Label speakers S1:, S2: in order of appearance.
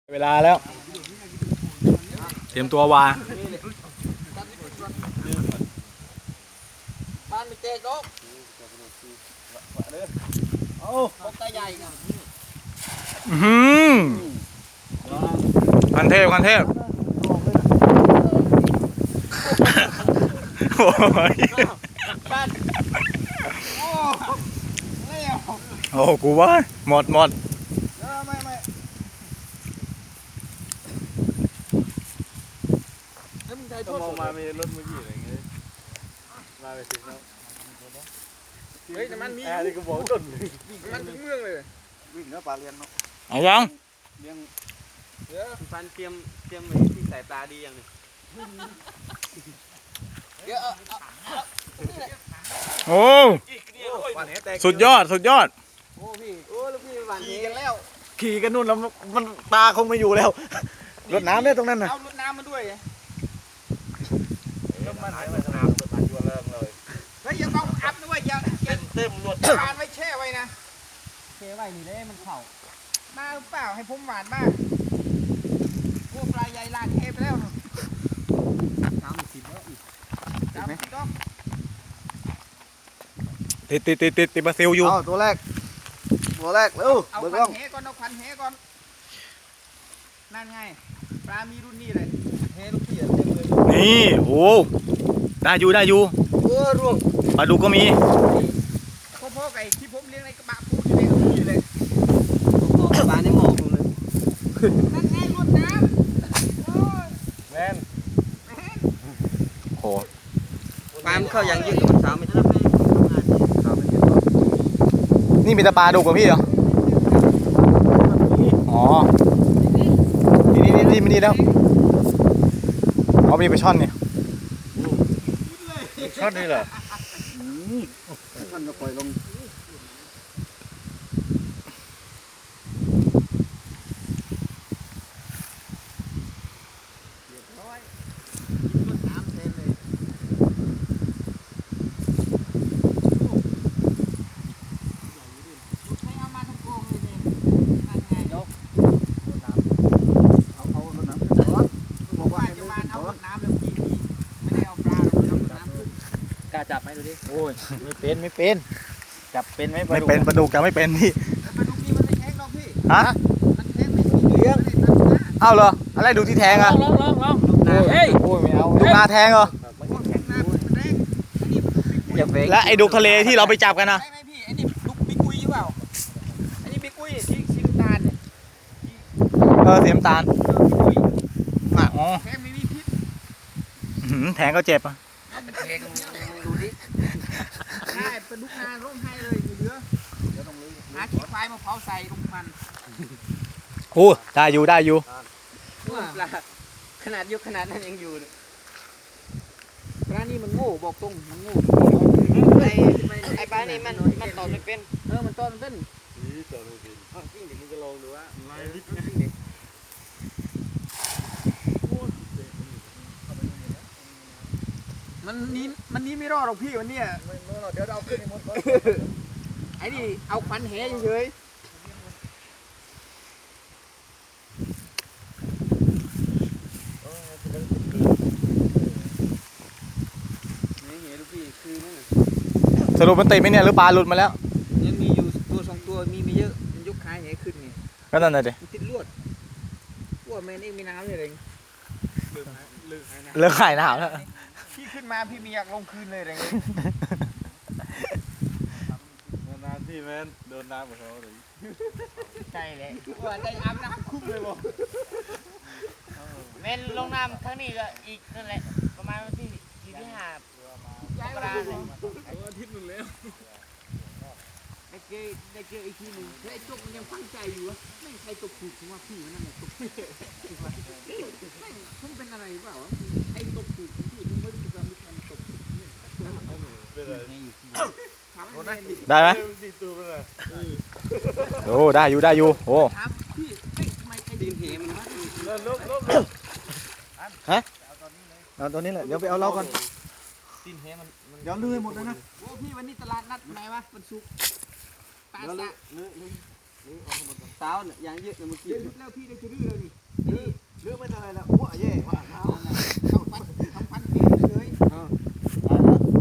S1: เวลาแล้วเตรียมตัววา
S2: บ้านไม่เจ๊กโอ้ตาใหญ่กัน
S1: คันเทพโอ้ยโอ้กูว่าหมด
S2: ไม่ถ้ามองมามีรถมือยี่อะไรเงี้ยมาไปสิครับเฮ้ยแต่มันมีอะไรก็บอกต้นมันถึงเมืองเลยวิ่งแล้วปลาเลี้ยงเนาะ
S1: เอายัง
S2: เลี้ยงฟันเตรียมที่สายตาดีอย่างนี้
S1: โอ้สุดยอด
S2: โอ้พี่โอ้ลูกพี่หวานขี่กันแล้ว
S1: ขี่กันนู่นแล้วมันตาคงไม่อยู่แล้วรดน้ำเนี่ยตรงนั้นน่ะ
S2: เอารดน้ำมาด้วยน้ำมันน้ำมันยัวเริ่มเลยเฮ้ยอย่าต้องอัพด้วยอย่าเต็มรถทานไว้แช่ไว้นะแช่ไว้นี่เลยมันเข่ามาหรือเปล่าให้ผมหวานบ้างพวกปลาใหญ่ลากเทไปแล้ว30แล้วอีก30ดอก
S1: ติดบาซิลอยู่
S2: ตัวแรกเร็วเอาพันแหก่อนนั่นไงปลามีรุ่นนี้เลยแหลูกพี่เต็มเลย
S1: นี่โอ้ได้อยู่
S2: ร่วง
S1: ปลาดุกก็มี
S2: พ่อไก่ที่ผมเลี้ยงในกระบะพูดอยู่เลยปลาในหมอกเลยนั่นไงรดน้ำแมน
S1: โอ้
S2: ปลาเข้าอย่างยืดมันสาวไม่ได้
S1: นี่มีแต่ปลาดุกกับพี่เหรออ๋อนี่มันนี่แล้วเอามีไปช่อนเนี่ย
S2: ช่อนนี่เหรอช่อนจะปล่อยลงจับไหมดูดิ
S1: โอ้ยไม่เป็น
S2: จับเป็นไหม
S1: ไม่เป็นปลาดุกจับไม่เป็นพี่
S2: ปลาดุกนี่มันไม่แข็งหรอกพี่
S1: ฮะ
S2: มันแข็งไม่เลี้ยง
S1: อ้าวเหรออะไรดูที่แทงอ่ะ
S2: ลองเฮ้ย
S1: โอ้ยไม่เอาดูนาแทงเหรอและไอ้ดุกทะเลที่เราไปจับกันนะ
S2: ไม่พี่ไอ้นี่ดุกบิ๊กกุยหรือเปล่าไอ้นี่บิ๊กกุยที่สีน้ำตาลเนี่ย
S1: สีน้ำตาลอ๋อ
S2: แทงไม่มีพิษ
S1: แทงก็เจ็บอ่ะ
S2: ดูดิได้ปลาดุกนาร่มให้เลยเหลือหาขี้ควายมาเผาใส่ลงมัน
S1: โอ้ได้อยู่
S2: ขนาดนั้นยังอยู่ปลานี่มันโง่บอกตรงมันโง่ไอ้ปลานี่มันตอบไม่เป็นมันตอบไม่เป็นนี่ตอบไม่เป็นจริงเดี๋ยวมึงจะลองดูว่ามันนี้ไม่รอดหรอกพี่วันนี้เดี๋ยวเราขึ้นหมดไอ้นี่เอาควันแหเฉย
S1: สรุปมันติดไหมเนี่ยหรือปลาหลุดมาแล้ว
S2: ยังมีอยู่ตัว2ตัวมีไม่เยอะมันยกขายแหขึ้นไง
S1: ก็นั่นแหละดิ
S2: ติดลวดแม่นี่มีน้ำเลย
S1: เลิกขายน้ำแล้ว
S2: พี่ขึ้นมาพี่มีอยากลงคืนเลยอะไรเงี้ยน้ำที่แม่โดนน้ำกับเขาเลยใช่เลยว่าได้อาบน้ำคุ้มเลยบ่
S3: แม่นลงน้ำครั้งนี้ก็อีกนั่นแหละประมาณวันที่5กราคม
S2: อาทิตย์นึงแล้วได้เจออีกทีหนึ่งไอ้จกมันยังฟังใจอยู่วะไม่ใครตกถูกผมว่าพี่นั่นแหละตกผมเป็นอะไรเปล่าไอ้ตกถูกพี่ผมไม่รู้จะมีการตก
S1: ได้ไหมโอ้ได้อยู่โอ้
S2: ดินเหมัน
S1: ฮะเอาตัวนี้แหละเดี๋ยวไปเอาเราก่อน
S2: ดินเหมัน
S1: เดี๋ยวลื้อให้หมดเลยนะ
S2: โอ้พี่วันนี้ตลาดนัดไหนวะวันศุกร์ปลาสะสาวเนี่ยอย่างเยอะเลยเมื่อกี้แล้วพี่ได้จะลื้อเลย